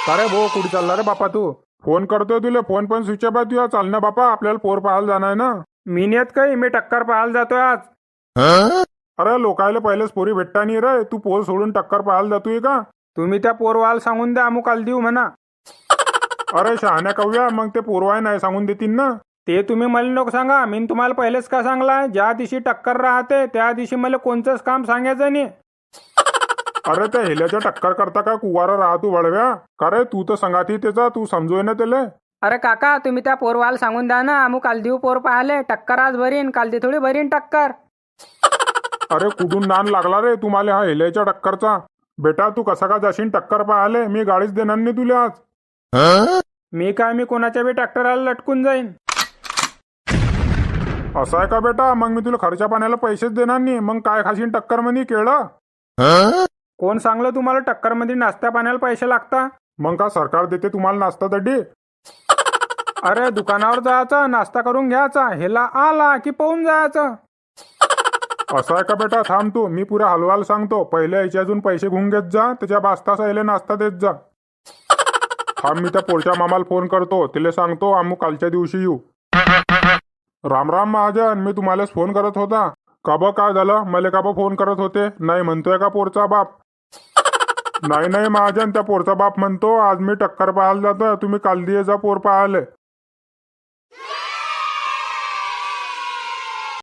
अरे भो कुठे चालला रे बापा तू? फोन करतोय तुला, फोन पण स्विच ऑफ आहे तुझा. चाल ना बापा, आपल्याला पोर पाहायला जाणार आहे ना. मी नेत काही, मी टक्कर पाहायला जातोय आज. अरे लोकायला पहिलेच पोरी भेटता नाही रे, तू पोर सोडून टक्कर पाहायला जातोय का? तुम्ही त्या पोरवाल सांगून द्या, अमुक आल देऊ म्हणा. अरे शहाण्या कव्या, मग ते पोरवाय नाही सांगून देतील ना. ते तुम्ही मला नको सांगा, मी तुम्हाला पहिलेच का सांगलाय, ज्या दिवशी टक्कर राहते त्या दिवशी मला कोणतंच काम सांगायचं नाही. अरे त्या हेल्याच्या टक्कर करता का कुवारा राहतो वळव्या? का रे तू तर संगाती त्याचा, तू समजोय ना त्याला. अरे काका, तुम्ही त्या पोरवाल सांगून द्या ना, अमुक काल देऊ पोर पाहिले, टक्कर आज भरीन, काल दे थोडी भरीन टक्कर. अरे कुठून नान लागला रे तुम्हाला हा हेल्याच्या टक्करचा? बेटा तू कसा का जाशील टक्कर पाहाले? मी गाडीच देणार नाही तुला आज. मी कोणाच्या बी ट्रॅक्टरला लटकून जाईन. असं आहे का बेटा? मग मी तुला खर्चा पाण्याला पैसेच देणार नाही. मग काय खाशील टक्कर मध्ये? केळं? कोण सांगलं तुम्हाला टक्कर मध्ये नाश्त्या पाण्याला पैसे लागता? मग का सरकार देते तुम्हाला नाश्ता दड्डी? अरे दुकानावर जायचं, नाश्ता करून घ्यायचा, हेला आला की पाहून जायचं. असं आहे का बेटा? थांब तू, मी पुऱ्या हलवाल सांगतो. पहिले याच्या अजून पैसे घेऊन घेत जा, त्याच्या बास्ताचा याला नाश्ता देत जा. थांब, मी त्या पोरच्या मामाला फोन करतो, तिला सांगतो आम्ही कालच्या दिवशी येऊ. राम राम महाजन, मी तुम्हालाच फोन करत होता. का बा काय झालं? मला का बा फोन करत होते? नाही म्हणतोय का पोरचा बाप? नाही महाजन, त्या पोरचा बाप म्हणतो आज मी टक्कर पाहायला जातो, तुम्ही काल दिये जा पोर पाहायला.